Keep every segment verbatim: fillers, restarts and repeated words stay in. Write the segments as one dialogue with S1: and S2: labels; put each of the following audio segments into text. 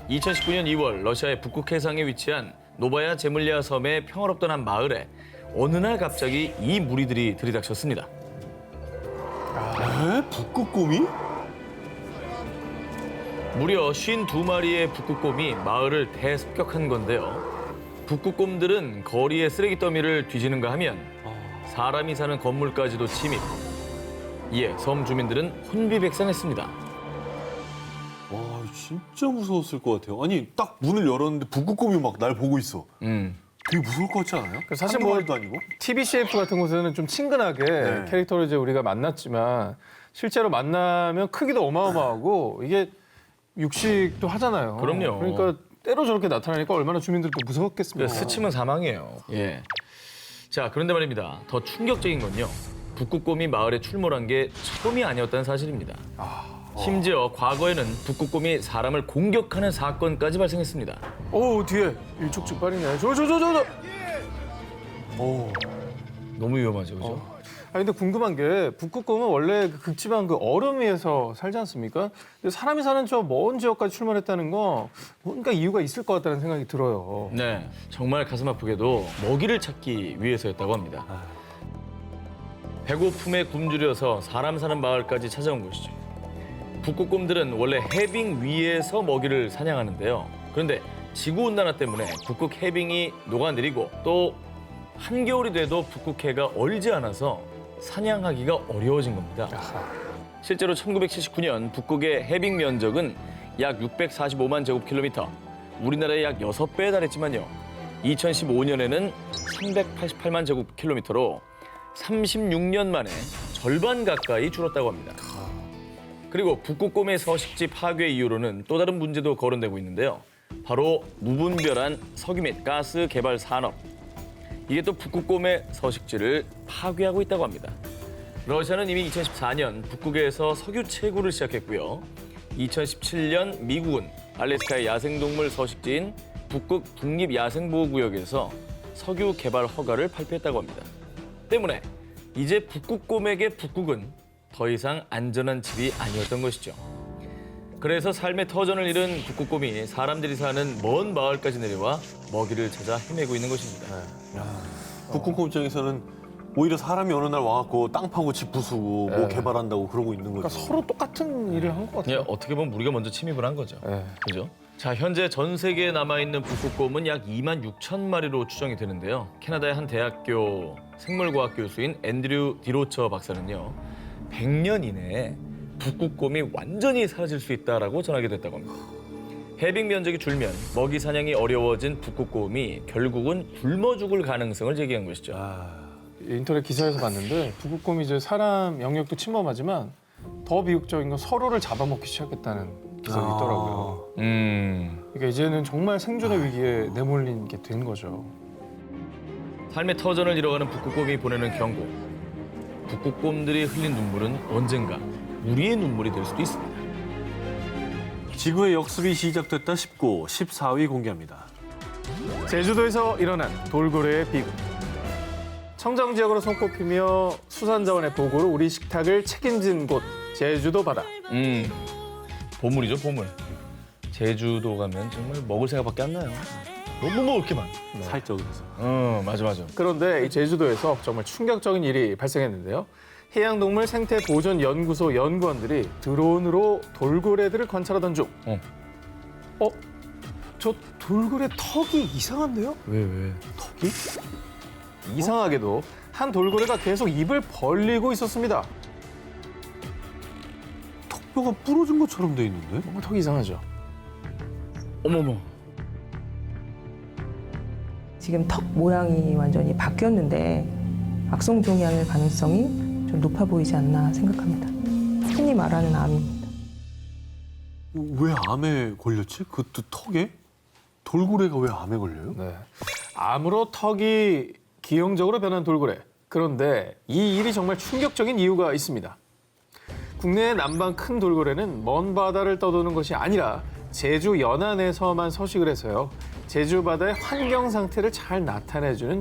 S1: 이천십구 년 이월 러시아의 북극 해상에 위치한 노바야 제물리아 섬의 평화롭던 한 마을에 어느 날 갑자기 이 무리들이 들이닥쳤습니다.
S2: 에? 북극곰이?
S1: 무려 오십이 마리의 북극곰이 마을을 대습격한 건데요. 북극곰들은 거리에 쓰레기 더미를 뒤지는가 하면 사람이 사는 건물까지도 침입. 이에 섬 주민들은 혼비백산했습니다.
S2: 와, 진짜 무서웠을 것 같아요. 아니, 딱 문을 열었는데 북극곰이 막 날 보고 있어.
S1: 음.
S2: 되게 무서울 것 같지 않아요?
S3: 사실
S2: 한두
S3: 뭐
S2: 마리도 아니고?
S3: 티비씨에프 같은 곳에는 좀 친근하게
S2: 네.
S3: 캐릭터를 이제 우리가 만났지만 실제로 만나면 크기도 어마어마하고 이게 육식도 하잖아요.
S1: 그럼요.
S3: 그러니까 때로 저렇게 나타나니까 얼마나 주민들도 무섭겠습니까.
S1: 스치면 사망이에요. 예. 자, 그런데 말입니다. 더 충격적인 건요. 북극곰이 마을에 출몰한 게 처음이 아니었다는 사실입니다. 심지어 과거에는 북극곰이 사람을 공격하는 사건까지 발생했습니다.
S3: 오 뒤에 일촉즉발이네. 저 저 저 저 저.
S2: 오.
S1: 너무 위험하죠, 그죠?
S3: 어. 아 근데 궁금한 게 북극곰은 원래 그 극지방 그 얼음 위에서 살지 않습니까? 근데 사람이 사는 저 먼 지역까지 출몰했다는 거 뭔가 이유가 있을 것 같다는 생각이 들어요.
S1: 네, 정말 가슴 아프게도 먹이를 찾기 위해서였다고 합니다. 배고픔에 굶주려서 사람 사는 마을까지 찾아온 것이죠. 북극곰들은 원래 해빙 위에서 먹이를 사냥하는데요. 그런데 지구온난화 때문에 북극 해빙이 녹아내리고 또 한겨울이 돼도 북극해가 얼지 않아서 사냥하기가 어려워진 겁니다. 실제로 천구백칠십구 년 북극의 해빙 면적은 약 육백사십오만 제곱킬로미터, 우리나라의 약 여섯 배에 달했지만요. 이천십오 년에는 삼백팔십팔만 제곱킬로미터로 삼십육 년 만에 절반 가까이 줄었다고 합니다. 그리고 북극곰의 서식지 파괴 이후로는 또 다른 문제도 거론되고 있는데요. 바로 무분별한 석유 및 가스 개발 산업. 이게 또 북극곰의 서식지를 파괴하고 있다고 합니다. 러시아는 이미 이천십사 년 북극에서 석유 채굴을 시작했고요. 이천십칠 년 미국은 알래스카의 야생동물 서식지인 북극 국립야생보호구역에서 석유 개발 허가를 발표했다고 합니다. 때문에 이제 북극곰에게 북극은 더 이상 안전한 집이 아니었던 것이죠. 그래서 삶의 터전을 잃은 북극곰이 사람들이 사는 먼 마을까지 내려와 먹이를 찾아 헤매고 있는 것입니다.
S2: 북극곰 입장에서는 오히려 사람이 어느 날 와갖고 땅 파고 집 부수고 뭐
S3: 네.
S2: 개발한다고 그러고 있는
S3: 그러니까
S2: 거죠.
S3: 서로 똑같은 일을 한 것
S1: 예,
S3: 같아요.
S1: 어떻게 보면 우리가 먼저 침입을 한 거죠.
S3: 네.
S1: 그죠? 자, 현재 전 세계에 남아있는 북극곰은 약 이만 육천 마리로 추정이 되는데요. 캐나다의 한 대학교 생물과학 교수인 앤드류 디로처 박사는요. 백 년 이내에 북극곰이 완전히 사라질 수 있다라고 전하게 됐다고 합니다. 해빙 면적이 줄면 먹이 사냥이 어려워진 북극곰이 결국은 굶어 죽을 가능성을 제기한 것이죠.
S3: 인터넷 기사에서 봤는데 북극곰이 이제 사람 영역도 침범하지만 더 비극적인 건 서로를 잡아먹기 시작했다는 기사가
S2: 아.
S3: 있더라고요.
S1: 음,
S3: 그러니까 이제는 정말 생존의 위기에 내몰린 게 된 거죠.
S1: 삶의 터전을 잃어가는 북극곰이 보내는 경고. 북극곰들이 흘린 눈물은 언젠가 우리의 눈물이 될 수도 있습니다.
S2: 지구의 역습이 시작됐다 싶고 십사 위 공개합니다.
S3: 제주도에서 일어난 돌고래의 비극. 청정 지역으로 손꼽히며 수산자원의 보고로 우리 식탁을 책임진 곳 제주도 바다.
S1: 음, 보물이죠, 보물. 제주도 가면 정말 먹을 생각밖에 안 나요. 너무 먹을 게 많아.
S2: 살쪄 그래서.
S1: 어, 맞아, 맞아.
S3: 그런데 이 제주도에서 정말 충격적인 일이 발생했는데요. 해양동물 생태보존연구소 연구원들이 드론으로 돌고래들을 관찰하던 중,
S1: 어.
S3: 어? 저 돌고래 턱이 이상한데요?
S1: 왜, 왜?
S3: 턱이? 이상하게도 한 돌고래가 계속 입을 벌리고 있었습니다.
S2: 턱뼈가 부러진 것처럼 돼 있는데?
S3: 뭔가 턱이 이상하죠?
S1: 어머머.
S4: 지금 턱 모양이 완전히 바뀌었는데 악성 종양일 가능성이 좀 높아 보이지 않나 생각합니다. 흔히 말하는 암입니다.
S2: 왜 암에 걸렸지? 그것도 턱에? 돌고래가 왜 암에 걸려요?
S3: 네. 암으로 턱이 기형적으로 변한 돌고래. 그런데 이 일이 정말 충격적인 이유가 있습니다. 국내의 남방 큰 돌고래는 먼 바다를 떠도는 것이 아니라 제주 연안에서만 서식을 해서요. 제주 바다의 환경 상태를 잘 나타내주는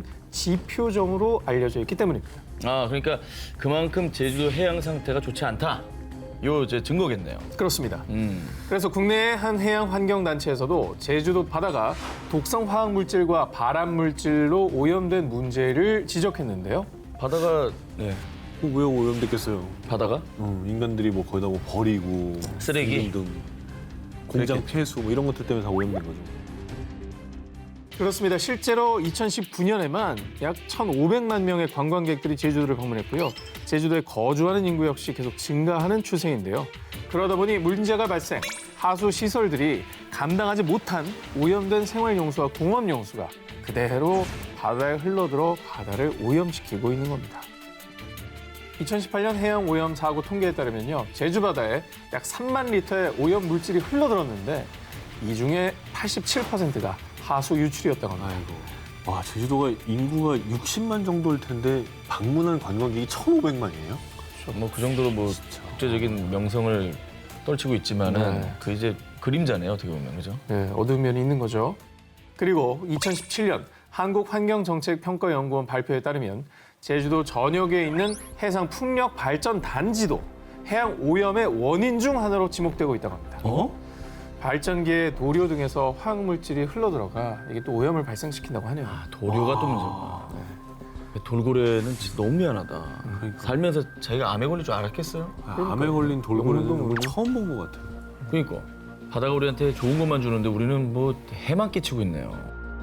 S3: 지표종으로 알려져 있기 때문입니다.
S1: 아, 그러니까 그만큼 제주도 해양 상태가 좋지 않다. 요 이제 증거겠네요.
S3: 그렇습니다.
S1: 음.
S3: 그래서 국내의 한 해양 환경 단체에서도 제주도 바다가 독성 화학 물질과 발암 물질로 오염된 문제를 지적했는데요.
S1: 바다가 네.
S2: 왜 오염됐겠어요?
S1: 바다가
S2: 어, 인간들이 뭐 거기다 뭐 버리고
S1: 쓰레기?
S2: 등 공장
S1: 그랬겠지.
S2: 폐수 뭐 이런 것들 때문에 다 오염된 거죠.
S3: 그렇습니다. 실제로 이천십구 년에만 약 천오백만 명의 관광객들이 제주도를 방문했고요. 제주도에 거주하는 인구 역시 계속 증가하는 추세인데요. 그러다 보니 문제가 발생, 하수 시설들이 감당하지 못한 오염된 생활용수와 공업용수가 그대로 바다에 흘러들어 바다를 오염시키고 있는 겁니다. 이천십팔 년 해양 오염 사고 통계에 따르면요. 제주 바다에 약 삼만 리터의 오염 물질이 흘러들었는데 이 중에 팔십칠 퍼센트가 하수 유출이었다고 합니다.
S2: 아이고. 와, 제주도가 인구가 육십만 정도일 텐데 방문한 관광객이 천오백만이에요?
S1: 뭐 그 정도로 뭐 국제적인 명성을 떨치고 있지만은
S3: 네.
S1: 그 이제 그림자네요, 어떻게 보면 그죠?
S3: 네, 어두운 면이 있는 거죠. 그리고 이천십칠 년 한국환경정책평가연구원 발표에 따르면 제주도 전역에 있는 해상 풍력 발전 단지도 해양 오염의 원인 중 하나로 지목되고 있다고 합니다.
S1: 어?
S3: 발전기의 도료 등에서 화학물질이 흘러들어가 이게 또 오염을 발생시킨다고 하네요.
S1: 아, 도료가 또 문제구나. 돌고래는 진짜 너무 미안하다. 살면서 자기가 암에 걸릴 줄 알았겠어요?
S2: 아, 암에 걸린 돌고래는
S3: 영문도
S2: 오늘
S3: 모르고.
S2: 처음 본 것 같아요.
S1: 그러니까 바다가 우리한테 좋은 것만 주는데 우리는 뭐 해만 끼치고 있네요.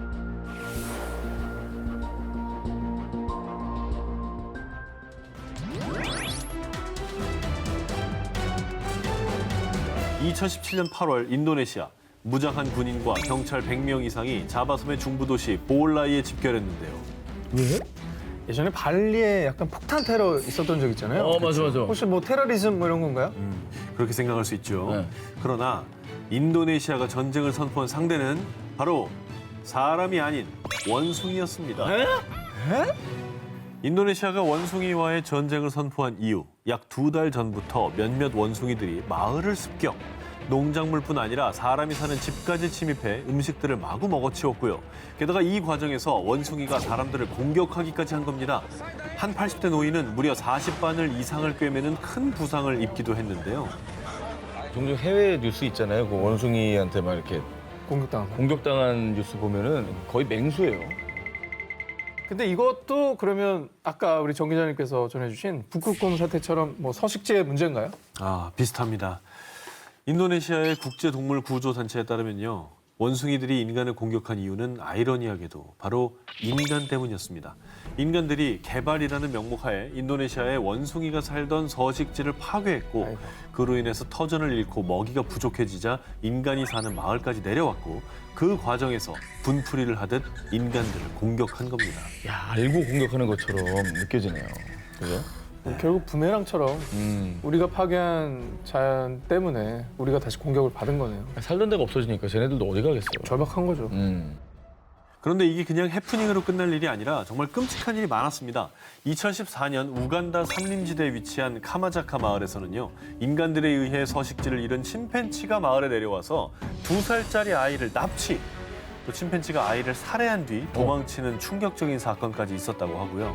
S2: 이천십칠 년 팔월 인도네시아 무장한 군인과 경찰 백 명 이상이 자바섬의 중부 도시 보올라이에 집결했는데요.
S3: 왜? 예전에 발리에 약간 폭탄 테러 있었던 적 있잖아요.
S1: 어, 맞아, 맞아.
S3: 혹시 뭐 테러리즘 뭐 이런 건가요?
S2: 음, 그렇게 생각할 수 있죠.
S1: 네.
S2: 그러나 인도네시아가 전쟁을 선포한 상대는 바로 사람이 아닌 원숭이였습니다.
S1: 에?
S2: 인도네시아가 원숭이와의 전쟁을 선포한 이후 약 두 달 전부터 몇몇 원숭이들이 마을을 습격, 농작물뿐 아니라 사람이 사는 집까지 침입해 음식들을 마구 먹어치웠고요. 게다가 이 과정에서 원숭이가 사람들을 공격하기까지 한 겁니다. 한 팔십 대 노인은 무려 사십 바늘 이상을 꿰매는 큰 부상을 입기도 했는데요.
S1: 종종 해외 뉴스 있잖아요. 그 원숭이한테 막 이렇게
S3: 공격당한 거.
S1: 공격당한 뉴스 보면은 거의 맹수예요.
S3: 근데 이것도 그러면 아까 우리 정 기자님께서 전해주신 북극곰 사태처럼 뭐 서식지의 문제인가요?
S2: 아, 비슷합니다. 인도네시아의 국제동물구조단체에 따르면요. 원숭이들이 인간을 공격한 이유는 아이러니하게도 바로 인간 때문이었습니다. 인간들이 개발이라는 명목하에 인도네시아의 원숭이가 살던 서식지를 파괴했고
S3: 아이고.
S2: 그로 인해서 터전을 잃고 먹이가 부족해지자 인간이 사는 마을까지 내려왔고 그 과정에서 분풀이를 하듯 인간들을 공격한 겁니다.
S1: 야, 알고 공격하는 것처럼 느껴지네요. 그죠?
S3: 뭐 결국 부메랑처럼
S1: 음.
S3: 우리가 파괴한 자연 때문에 우리가 다시 공격을 받은 거네요.
S1: 살던 데가 없어지니까 쟤네들도 어디 가겠어요.
S3: 절박한 거죠.
S1: 음.
S2: 그런데 이게 그냥 해프닝으로 끝날 일이 아니라 정말 끔찍한 일이 많았습니다. 이천십사 년 우간다 산림지대에 위치한 카마자카 마을에서는요. 인간들에 의해 서식지를 잃은 침팬치가 마을에 내려와서 두 살짜리 아이를 납치, 또 침팬치가 아이를 살해한 뒤 도망치는 충격적인 사건까지 있었다고 하고요.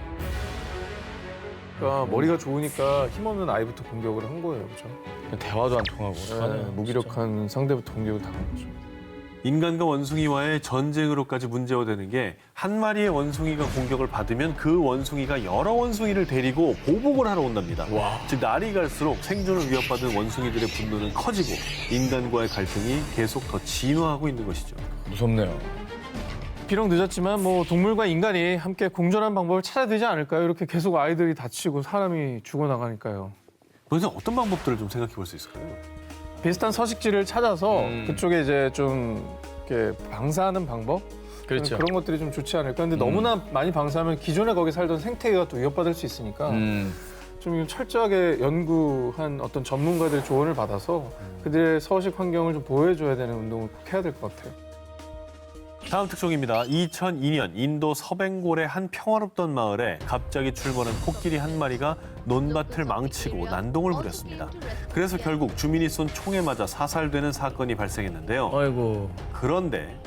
S3: 그러니까 머리가 좋으니까 힘없는 아이부터 공격을 한 거예요. 그렇죠?
S1: 대화도 안 통하고.
S3: 네,
S1: 어떡하나요,
S3: 무기력한 상대부터 공격을 당한 거죠.
S2: 인간과 원숭이와의 전쟁으로까지 문제화되는 게 한 마리의 원숭이가 공격을 받으면 그 원숭이가 여러 원숭이를 데리고 보복을 하러 온답니다.
S1: 와.
S2: 즉 날이 갈수록 생존을 위협받은 원숭이들의 분노는 커지고 인간과의 갈등이 계속 더 진화하고 있는 것이죠.
S1: 무섭네요.
S3: 비록 늦었지만 뭐 동물과 인간이 함께 공존한 방법을 찾아야 되지 않을까요? 이렇게 계속 아이들이 다치고 사람이 죽어나가니까요.
S2: 그래서 어떤 방법들을 좀 생각해 볼 수 있을까요?
S3: 비슷한 서식지를 찾아서
S1: 음.
S3: 그쪽에 이제 좀 이렇게 방사하는 방법?
S1: 그렇죠.
S3: 그런 것들이 좀 좋지 않을까. 근데
S1: 음.
S3: 너무나 많이 방사하면 기존에 거기 살던 생태계가 또 위협받을 수 있으니까
S1: 음.
S3: 좀 철저하게 연구한 어떤 전문가들의 조언을 받아서 그들의 서식 환경을 좀 보호해줘야 되는 운동을 꼭 해야 될 것 같아요.
S2: 다음 특종입니다. 이천이 년 인도 서벵골의 한 평화롭던 마을에 갑자기 출몰한 코끼리 한 마리가 논밭을 망치고 난동을 부렸습니다. 그래서 결국 주민이 쏜 총에 맞아 사살되는 사건이 발생했는데요.
S1: 아이고.
S2: 그런데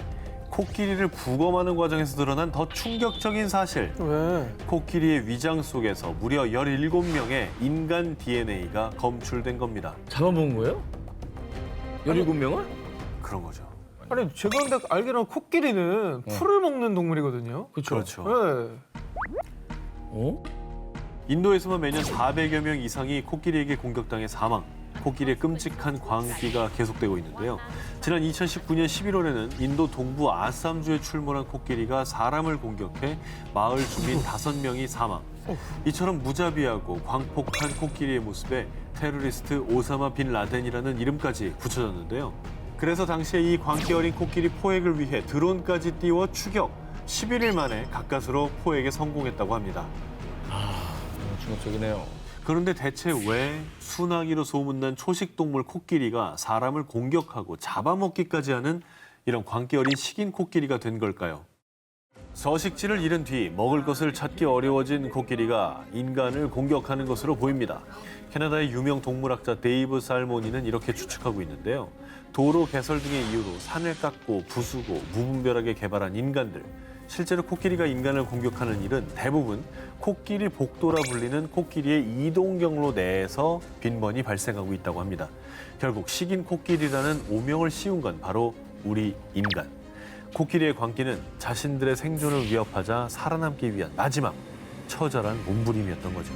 S2: 코끼리를 부검하는 과정에서 드러난 더 충격적인 사실.
S3: 왜?
S2: 코끼리의 위장 속에서 무려 열일곱 명의 인간 디엔에이가 검출된 겁니다.
S1: 잡아먹은 거예요? 열일곱 명을?
S2: 그런 거죠.
S3: 아니 제가 근데 알기로는 코끼리는 풀을 먹는 동물이거든요.
S2: 그렇죠.
S3: 네.
S1: 어?
S2: 인도에서만 매년 사백여 명 이상이 코끼리에게 공격당해 사망. 코끼리의 끔찍한 광기가 계속되고 있는데요. 지난 이천십구 년 십일월에는 인도 동부 아삼주에 출몰한 코끼리가 사람을 공격해 마을 주민 다섯 명이 사망. 이처럼 무자비하고 광폭한 코끼리의 모습에 테러리스트 오사마 빈 라덴이라는 이름까지 붙여졌는데요. 그래서 당시에 이 광기 어린 코끼리 포획을 위해 드론까지 띄워 추격. 십일 일 만에 가까스로 포획에 성공했다고 합니다.
S1: 너무 충격적이네요.
S2: 그런데 대체 왜 순하기로 소문난 초식동물 코끼리가 사람을 공격하고 잡아먹기까지 하는 이런 광기 어린 식인 코끼리가 된 걸까요? 서식지를 잃은 뒤 먹을 것을 찾기 어려워진 코끼리가 인간을 공격하는 것으로 보입니다. 캐나다의 유명 동물학자 데이브 살모니는 이렇게 추측하고 있는데요. 도로 개설 등의 이유로 산을 깎고 부수고 무분별하게 개발한 인간들. 실제로 코끼리가 인간을 공격하는 일은 대부분 코끼리 복도라 불리는 코끼리의 이동 경로 내에서 빈번히 발생하고 있다고 합니다. 결국 식인 코끼리라는 오명을 씌운 건 바로 우리 인간. 코끼리의 광기는 자신들의 생존을 위협하자 살아남기 위한 마지막 처절한 몸부림이었던 거죠.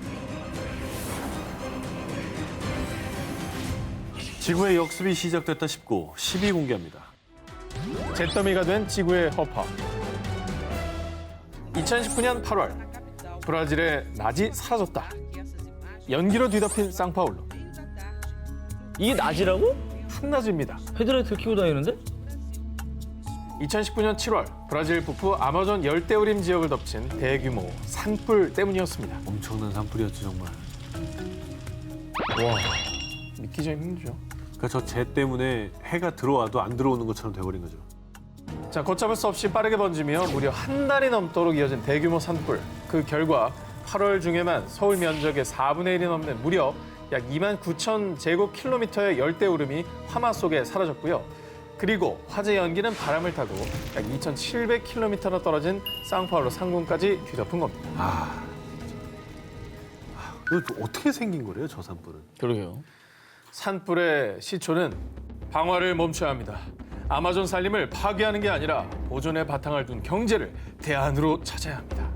S2: 지구의 역습이 시작됐다 싶고 십위 공개합니다.
S3: 잿더미가 된 지구의 허파. 이천십구 년 팔월 브라질의 낮이 사라졌다. 연기로 뒤덮인 상파울루.
S1: 이게 낮이라고?
S3: 풍낮입니다.
S1: 헤드라이트를 켜고 다니는데?
S3: 이천십구 년 칠월 브라질 북부 아마존 열대우림 지역을 덮친 대규모 산불 때문이었습니다.
S2: 엄청난 산불이었죠 정말.
S1: 와.
S3: 믿기 좀 힘들죠.
S2: 그러니까 저 재 때문에 해가 들어와도 안 들어오는 것처럼 돼버린 거죠.
S3: 자, 걷잡을 수 없이 빠르게 번지며 무려 한 달이 넘도록 이어진 대규모 산불. 그 결과 팔월 중에만 서울 면적의 사분의 일이 넘는 무려 약 이만 구천 제곱킬로미터의 열대우림이 화마 속에 사라졌고요. 그리고 화재 연기는 바람을 타고 약 이천칠백 킬로미터나 떨어진 상파울루 상공까지 뒤덮은 겁니다.
S2: 아, 아 이거 어떻게 생긴 거래요 저 산불은?
S1: 그러게요.
S3: 산불의 시초는 방화를 멈춰야 합니다. 아마존 산림을 파괴하는 게 아니라 보존의 바탕을 둔 경제를 대안으로 찾아야 합니다.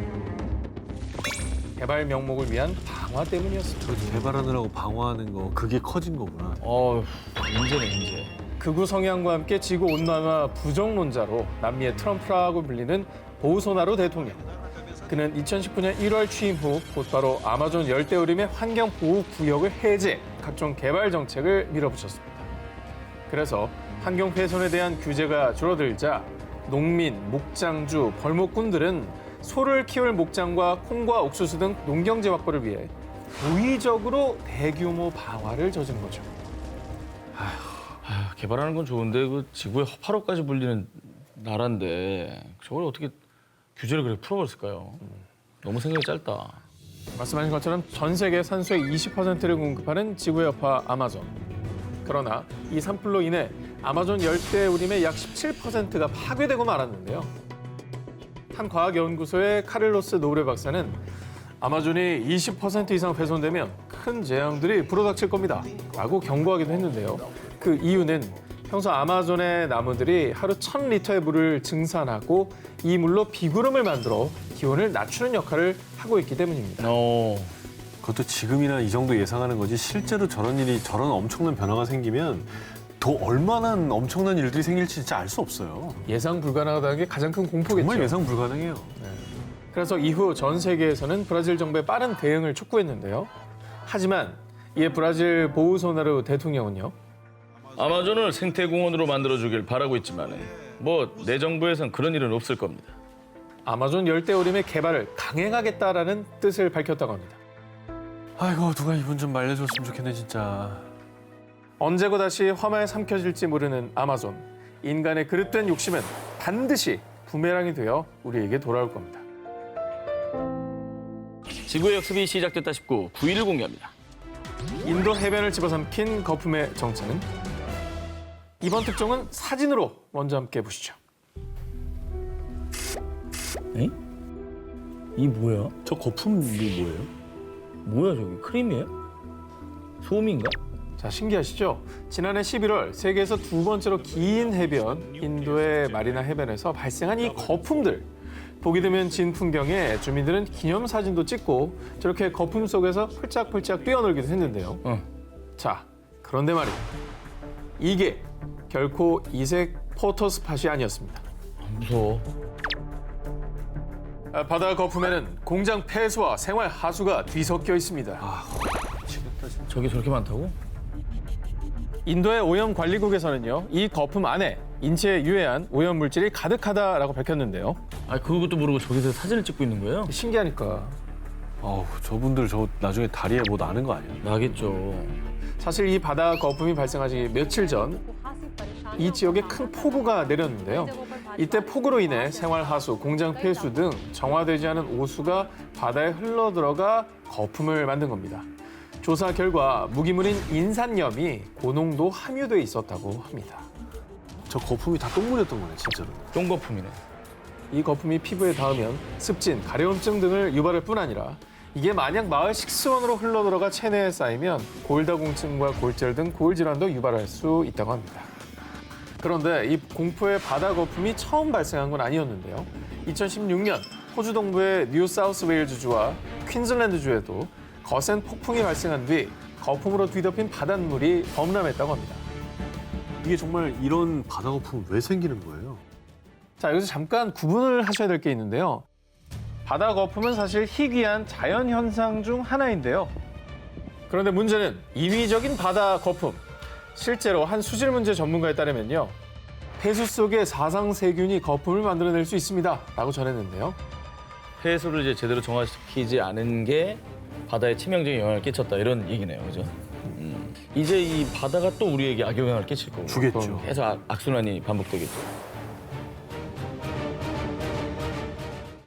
S3: 개발 명목을 위한 방화 때문이었습니다.
S2: 저 개발하느라고 방어하는 거 그게 커진 거구나.
S1: 어, 문제네 문제.
S3: 극우 성향과 함께 지구 온난화 부정론자로 남미의 트럼프라고 불리는 보우소나루 대통령. 그는 이천십구 년 일월 취임 후 곧바로 아마존 열대우림의 환경보호구역을 해제, 각종 개발 정책을 밀어붙였습니다. 그래서 환경 훼손에 대한 규제가 줄어들자 농민, 목장주, 벌목꾼들은 소를 키울 목장과 콩과 옥수수 등 농경재 확보를 위해 고의적으로 대규모 방화를 저지른 거죠.
S1: 아, 개발하는 건 좋은데 그 지구의 허파로까지 불리는 나라인데 저걸 어떻게 규제를 그렇게 풀어버렸을까요? 너무 생각이 짧다.
S3: 말씀하신 것처럼 전 세계 산소의 이십 퍼센트를 공급하는 지구의 여파 아마존. 그러나 이 산불로 인해 아마존 열대우림의 약 십칠 퍼센트가 파괴되고 말았는데요. 한 과학연구소의 카를로스 노브레 박사는 아마존이 이십 퍼센트 이상 훼손되면 큰 재앙들이 불어닥칠 겁니다. 라고 경고하기도 했는데요. 그 이유는 평소 아마존의 나무들이 하루 천 리터의 물을 증산하고 이 물로 비구름을 만들어 기온을 낮추는 역할을 하고 있기 때문입니다.
S1: 어,
S2: 그것도 지금이나 이 정도 예상하는 거지 실제로 저런 일이 저런 엄청난 변화가 생기면 더 얼마나 엄청난 일들이 생길지 진짜 알 수 없어요.
S3: 예상 불가능하다는 게 가장 큰 공포겠죠.
S2: 정말 예상 불가능해요.
S3: 그래서 이후 전 세계에서는 브라질 정부의 빠른 대응을 촉구했는데요. 하지만 이에 브라질 보우소나루 대통령은요.
S1: 아마존을 생태공원으로 만들어주길 바라고 있지만 뭐 내 정부에선 그런 일은 없을 겁니다.
S3: 아마존 열대우림의 개발을 강행하겠다라는 뜻을 밝혔다고 합니다.
S2: 아이고 누가 이분 좀 말려줬으면 좋겠네 진짜.
S3: 언제고 다시 화마에 삼켜질지 모르는 아마존. 인간의 그릇된 욕심은 반드시 부메랑이 되어 우리에게 돌아올 겁니다.
S1: 지구의 역습이 시작됐다 싶고 구 위를 공개합니다.
S3: 인도 해변을 집어삼킨 거품의 정체는? 이번 특종은 사진으로 먼저 함께 보시죠.
S1: 에? 이 뭐야?
S2: 저 거품이 뭐예요?
S1: 뭐야 저기 크림이에요? 소음인가?
S3: 자, 신기하시죠? 지난해 십일월 세계에서 두 번째로 긴 해변 인도의 마리나 해변에서 발생한 이 거품들. 보게 되면 진 풍경에 주민들은 기념사진도 찍고 저렇게 거품 속에서 펄짝펄짝 뛰어놀기도 했는데요.
S1: 어.
S3: 자, 그런데 말이에요. 이게 결코 이색 포토스팟이 아니었습니다.
S1: 무서워.
S3: 아, 바다 거품에는 공장 폐수와 생활 하수가 뒤섞여 있습니다.
S1: 저게 저렇게 많다고?
S3: 인도의 오염관리국에서는요, 이 거품 안에 인체에 유해한 오염물질이 가득하다라고 밝혔는데요.
S1: 아 그것도 모르고 저기서 사진을 찍고 있는 거예요?
S3: 신기하니까.
S2: 어우, 저분들 저 나중에 다리에 뭐 나는 거 아니에요?
S1: 나겠죠.
S3: 사실 이 바다 거품이 발생하기 며칠 전 이 지역에 큰 폭우가 내렸는데요. 이때 폭우로 인해 생활하수, 공장 폐수 등 정화되지 않은 오수가 바다에 흘러들어가 거품을 만든 겁니다. 조사 결과 무기물인 인산염이 고농도 함유돼 있었다고 합니다.
S2: 저 거품이 다 똥물이었던 거네, 진짜로.
S1: 똥거품이네.
S3: 이 거품이 피부에 닿으면 습진, 가려움증 등을 유발할 뿐 아니라 이게 만약 마을 식수원으로 흘러들어가 체내에 쌓이면 골다공증과 골절 등 골질환도 유발할 수 있다고 합니다. 그런데 이 공포의 바다 거품이 처음 발생한 건 아니었는데요. 이천십육 년 호주 동부의 뉴 사우스 웨일즈주와 퀸즐랜드주에도 거센 폭풍이 발생한 뒤 거품으로 뒤덮인 바닷물이 범람했다고 합니다.
S2: 이게 정말 이런 바다 거품은 왜 생기는 거예요?
S3: 자, 여기서 잠깐 구분을 하셔야 될 게 있는데요. 바다 거품은 사실 희귀한 자연 현상 중 하나인데요. 그런데 문제는 인위적인 바다 거품. 실제로 한 수질 문제 전문가에 따르면요. 폐수 속에 사상 세균이 거품을 만들어낼 수 있습니다. 라고 전했는데요.
S1: 폐수를 이제 제대로 정화시키지 않은 게 바다에 치명적인 영향을 끼쳤다 이런 얘기네요, 그죠? 음. 이제 이 바다가 또 우리에게 악영향을 끼칠 거고.
S2: 주겠죠.
S1: 계속 악- 악순환이 반복되겠죠.